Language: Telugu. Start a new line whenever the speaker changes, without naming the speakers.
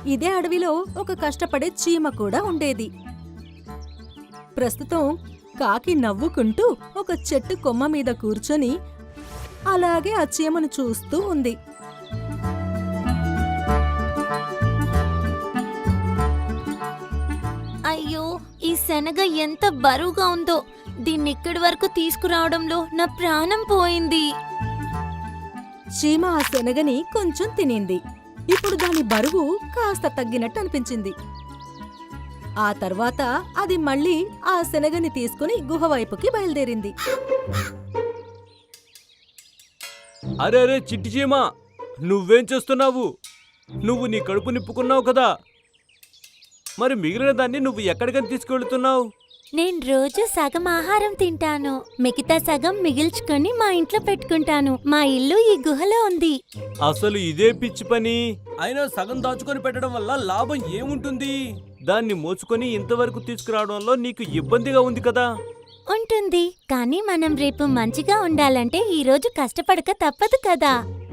ఇదే అడవిలో ఒక కష్టపడే చీమ కూడా ఉండేది. ప్రస్తుతం కాకి నవ్వుకుంటూ ఒక చెట్టు కొమ్మ మీద కూర్చొని అలాగే ఆ చీమను చూస్తూ ఉంది.
అయ్యో, ఈ శనగ ఎంత బరువుగా ఉందో! దీన్ని ఇక్కడి వరకు తీసుకురావడంలో నా ప్రాణం పోయింది.
చీమ ఆ శనగని కొంచెం తినింది. ఇప్పుడు దాని బరువు కాస్త తగ్గినట్టు అనిపించింది. ఆ తర్వాత అది మళ్ళీ ఆ శనగని తీసుకుని గుహ వైపుకి బయలుదేరింది.
అరే అరే చిట్టి చీమ, నువ్వేం చేస్తున్నావు? నువ్వు నీ కడుపు నింపుకున్నావు కదా, మరి మిగిలిన దాన్ని నువ్వు ఎక్కడికని తీసుకెళ్తున్నావు?
నేను రోజు సగం ఆహారం తింటాను, మిగతా సగం మిగిల్చుకొని మా ఇంట్లో పెట్టుకుంటాను. మా ఇల్లు ఈ గుహలో ఉంది.
అసలు ఇదే పిచ్చి పని. అయినా సగం దాచుకొని పెట్టడం వల్ల లాభం ఏముంటుంది? దాన్ని మోసుకొని ఇంతవరకు తీసుకురావడంలో నీకు ఇబ్బందిగా ఉంది కదా.
ఉంటుంది, కానీ మనం రేపు మంచిగా ఉండాలంటే ఈ రోజు కష్టపడక తప్పదు కదా.